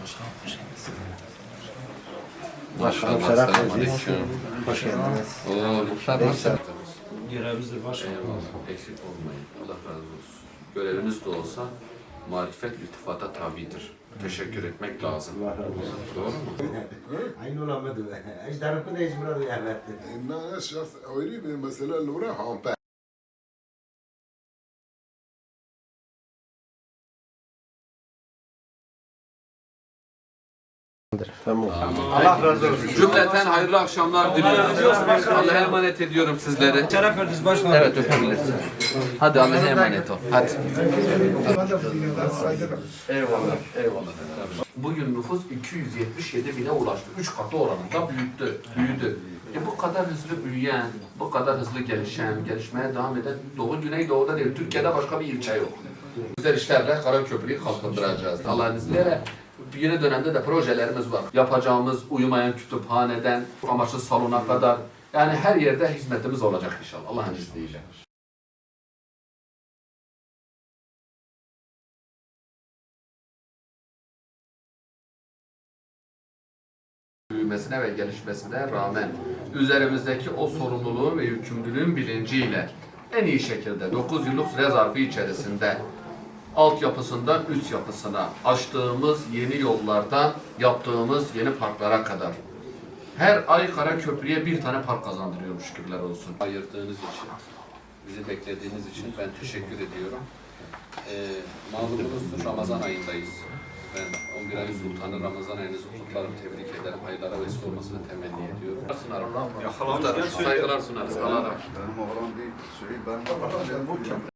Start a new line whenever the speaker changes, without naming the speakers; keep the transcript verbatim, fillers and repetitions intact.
Başkanım, selamünaleyküm. Hoş geldiniz. Oo, muhtar nasıl?
Görevimizdir başkanım.
Eyvallah, eksik olmayın. Allah razı olsun. Göreviniz de olsa marifet iltifata tabidir. Teşekkür etmek lazım. Doğru mu?
aynı olamadı. Ejderha da icbara duyarlar.
إن الشخص أريد مثلا لو راح عم
Tamam.
Allah razı olsun.
Cümleten hayırlı akşamlar diliyorum. Allah'a emanet ediyorum sizleri.
Şeref verdiniz başkanım.
Evet, öpebilirsin. Hadi Allah'a emanet ol. Hadi. Eyvallah, eyvallah. Bugün nüfus iki yüz yetmiş yedi bine ulaştı. Üç katı oranında büyüttü, büyüdü. E bu kadar hızlı büyüyen, bu kadar hızlı gelişen, gelişmeye devam eden Doğu Güneydoğu'da değil, Türkiye'de başka bir ilçe yok. Güzel işlerle Karaköprü'yü kalkındıracağız. Allah'ın izniyle yeni dönemde de projelerimiz var. Yapacağımız uyumayan kütüphaneden amaçlı salona kadar, yani her yerde hizmetimiz olacak inşallah Allah'ın izniyle. Büyümesine ve gelişmesine rağmen üzerimizdeki o sorumluluğun ve yükümlülüğün bilinciyle en iyi şekilde dokuz yıllık süre zarfı içerisinde altyapısından üst yapısına açtığımız yeni yollardan yaptığımız yeni parklara kadar her ay Karaköprü'ye bir tane park kazandırıyorum, şükürler olsun. Ayırdığınız için, bizi beklediğiniz için ben teşekkür ediyorum. Ee, malumunuzdur, Ramazan ayındayız. Ben on bir ayın sultanı Ramazan ayınızı kutlarım, tebrik ederim. Hayırlara vesile olmasını temenni ediyorum. Sunarım. Saygılar sunarız. Allah razı olsun.
benim oğlan bir şey ben